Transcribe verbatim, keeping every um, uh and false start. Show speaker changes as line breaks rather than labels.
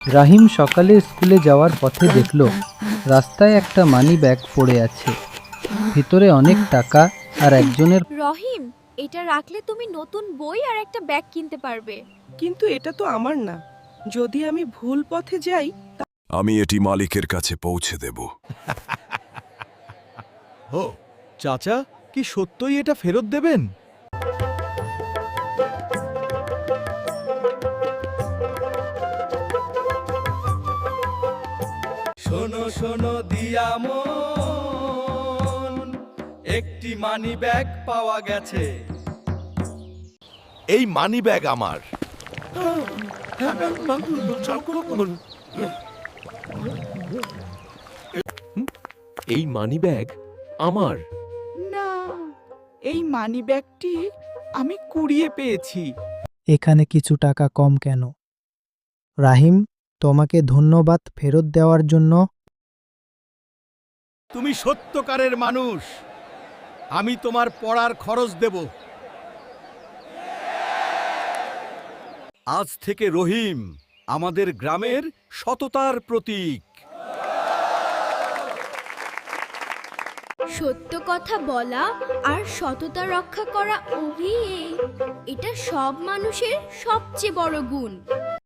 রাহিম সকালে স্কুলে যাওয়ার পথে দেখল রাস্তায় একটা মানি ব্যাগ পড়ে আছে। ভিতরে অনেক টাকা আর একজনের।
রহিম, এটা রাখলে তুমি নতুন বই আর একটা ব্যাগ কিনতে পারবে।
কিন্তু এটা তো আমার না। যদি আমি ভুল পথে যাই।
আমি এটি মালিকের কাছে পৌঁছে দেব।
ও চাচা, কি সত্যই এটা ফেরত দেবেন?
শোনো শোনো দিয়ামন, একটি মানি ব্যাগ পাওয়া গেছে।
এই মানি ব্যাগ আমার।
এই মানি ব্যাগ আমার।
না, এই মানিব্যাগটি আমি কুড়িয়ে পেয়েছি।
এখানে কিছু টাকা কম কেন? রাহিম, তোমাকে ধন্যবাদ ফেরত দেওয়ার জন্য।
তুমি সত্যকারের মানুষ, আমি তোমার পড়ার খরচ দেব। আজ থেকে রহিম আমাদের গ্রামের সততার প্রতীক।
সত্য কথা বলা আর সততা রক্ষা করা, অভি, এটা সব মানুষের সবচেয়ে বড় গুণ।